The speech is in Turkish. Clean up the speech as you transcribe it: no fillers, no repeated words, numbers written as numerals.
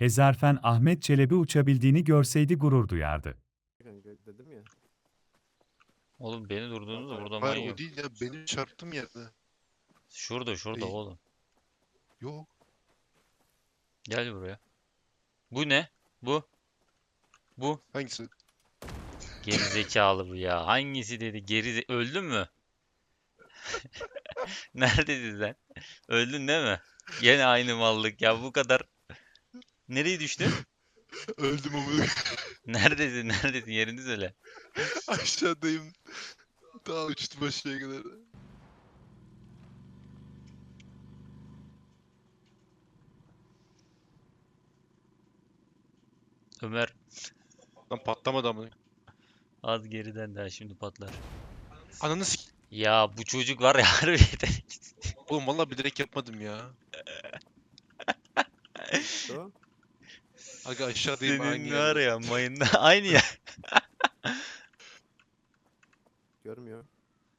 Hezarfen Ahmet Çelebi uçabildiğini görseydi gurur duyardı. Kanka dedim ya. Oğlum beni durdurdunuz da burada Hayır mayın o yok. değil ya. Benim çarptığım yerde. Şurada İyi. oğlum. Yok. Gel buraya. Bu ne? Bu. Hangisi? Gerizekalı bu ya. Hangisi dedi? Öldün mü? Neredesin sen? Öldün değil mi? Yine aynı mallık ya bu kadar. Nereye düştün? Öldüm ama. Neredesin? Yerini söyle. Aşağıdayım. Daha uçtum aşağıya kadar. Ömer Lan patlamadı ama. az geriden daha şimdi patlar. Ananı Ya bu çocuk var ya harbiden. Oğlum valla bilerek yapmadım ya. O. Aga aşağıdayım aynı Senin var yerde. ya mayında aynı ya. Görmüyor.